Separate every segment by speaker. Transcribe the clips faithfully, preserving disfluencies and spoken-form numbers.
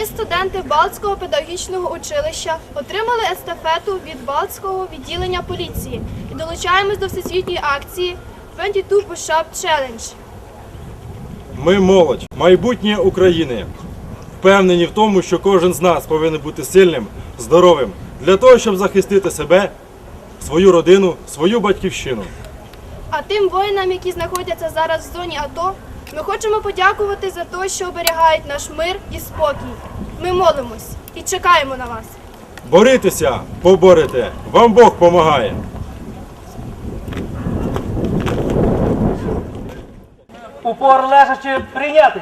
Speaker 1: студенти Балтського педагогічного училища отримали естафету від Балтського відділення поліції і долучаємось до всесвітньої акції двадцять два Push-Up Challenge.
Speaker 2: Ми молодь, майбутнє України. Впевнені в тому, що кожен з нас повинен бути сильним, здоровим, для того, щоб захистити себе, свою родину, свою батьківщину.
Speaker 1: А тим воїнам, які знаходяться зараз в зоні АТО, ми хочемо подякувати за те, що оберігають наш мир і спокій. Ми молимось і чекаємо на вас.
Speaker 2: Борітеся, поборете, вам Бог помагає.
Speaker 3: Упор лежачи прийняти.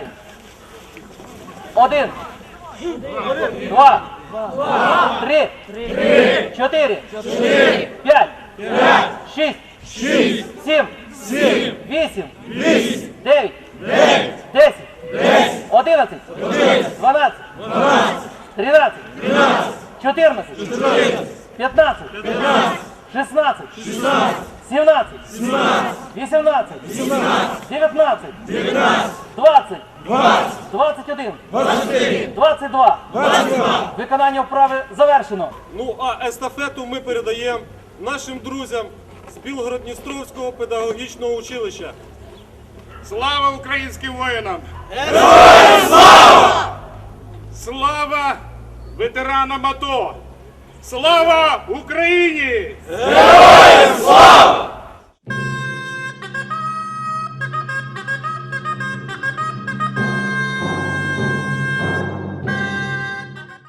Speaker 3: Один. Два. Три. Чотири. П'ять. Шість. Сім. Вісім. Дев'ять. Десять. Одинадцять. Дванадцять. Тринадцять. Чотирнадцять. П'ятнадцять. Шістнадцять. Сімнадцять. Вісімнадцять. Дев'ятнадцять. Двадцять. Двадцять один. Двадцять два. Виконання вправи завершено.
Speaker 4: Ну а естафету ми передаємо нашим друзям з Білгород-Дністровського педагогічного училища. Слава українським воїнам! Героям слава! Слава ветеранам АТО! Слава Україні!
Speaker 5: Героям слава!